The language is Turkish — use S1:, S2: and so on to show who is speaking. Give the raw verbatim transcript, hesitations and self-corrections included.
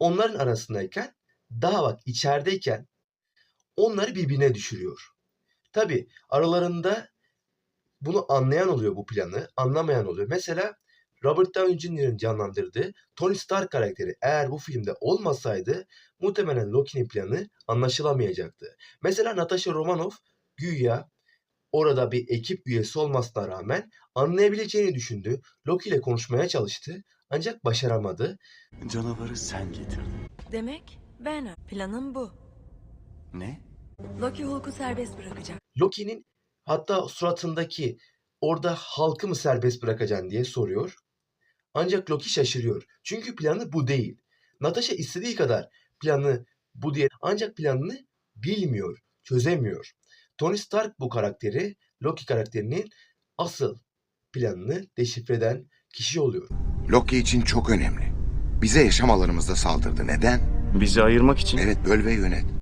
S1: onların arasındayken daha bak içerideyken onları birbirine düşürüyor. Tabii aralarında bunu anlayan oluyor bu planı, anlamayan oluyor. Mesela Robert Downey Junior'ın canlandırdığı Tony Stark karakteri eğer bu filmde olmasaydı muhtemelen Loki'nin planı anlaşılamayacaktı. Mesela Natasha Romanoff güya orada bir ekip üyesi olmasına rağmen anlayabileceğini düşündü. Loki ile konuşmaya çalıştı ancak başaramadı.
S2: Canavarı sen getirdin.
S3: Demek ben. Planım bu.
S2: Ne?
S3: Loki Hulk'u serbest bırakacak.
S1: Loki'nin hatta suratındaki orada halkı mı serbest bırakacaksın diye soruyor. Ancak Loki şaşırıyor. Çünkü planı bu değil. Natasha istediği kadar planı bu diye ancak planını bilmiyor, çözemiyor. Tony Stark bu karakteri, Loki karakterinin asıl planını deşifre eden kişi oluyor.
S4: Loki için çok önemli. Bize yaşam alanımızda saldırdı. Neden?
S2: Bizi ayırmak için.
S4: Evet, böl ve yönet.